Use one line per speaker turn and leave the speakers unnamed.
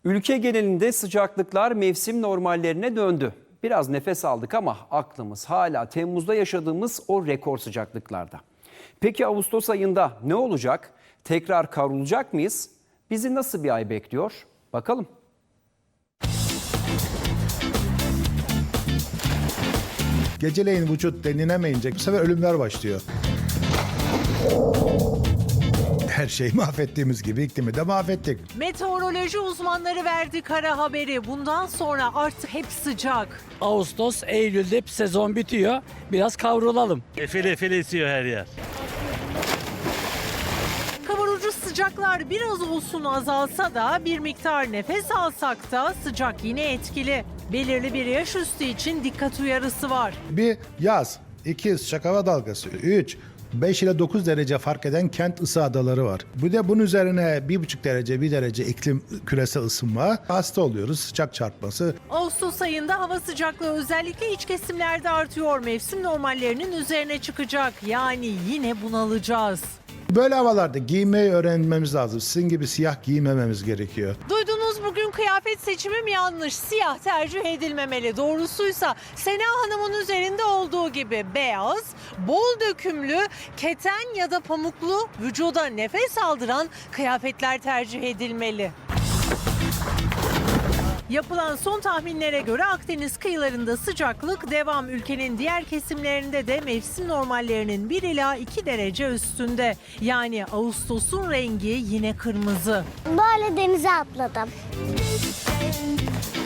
Ülke genelinde sıcaklıklar mevsim normallerine döndü. Biraz nefes aldık ama aklımız hala Temmuz'da yaşadığımız o rekor sıcaklıklarda. Peki Ağustos ayında ne olacak? Tekrar kavrulacak mıyız? Bizi nasıl bir ay bekliyor? Bakalım.
Geceleyin vücut denilemeyince bu sefer ölümler başlıyor. Her şeyi mahvettiğimiz gibi iklimi de mahvettik.
Meteoroloji uzmanları verdi kara haberi. Bundan sonra artık hep sıcak.
Ağustos, Eylül'de sezon bitiyor. Biraz kavrulalım.
Efeli efeli esiyor her yer.
Kavurucu sıcaklar biraz olsun azalsa da bir miktar nefes alsak da sıcak yine etkili. Belirli bir yaş üstü için dikkat uyarısı var.
Bir yaz, 2 sıcak hava dalgası, 3 5 ile 9 derece fark eden kent ısı adaları var. Bir de bunun üzerine 1,5 derece, 1 derece iklim küresel ısınma. Hasta oluyoruz, sıcak çarpması.
Ağustos ayında hava sıcaklığı özellikle iç kesimlerde artıyor. Mevsim normallerinin üzerine çıkacak. Yani yine bunalacağız.
Böyle havalarda giymeyi öğrenmemiz lazım. Sizin gibi siyah giymememiz gerekiyor.
Duydunuz, bugün kıyafet seçimim yanlış. Siyah tercih edilmemeli. Doğrusuysa Sena Hanım'ın üzerinde olduğu gibi beyaz, bol dökümlü, keten ya da pamuklu, vücuda nefes aldıran kıyafetler tercih edilmeli. Yapılan son tahminlere göre Akdeniz kıyılarında sıcaklık devam. Ülkenin diğer kesimlerinde de mevsim normallerinin 1 ila 2 derece üstünde. Yani Ağustos'un rengi yine kırmızı.
Böyle denize atladım.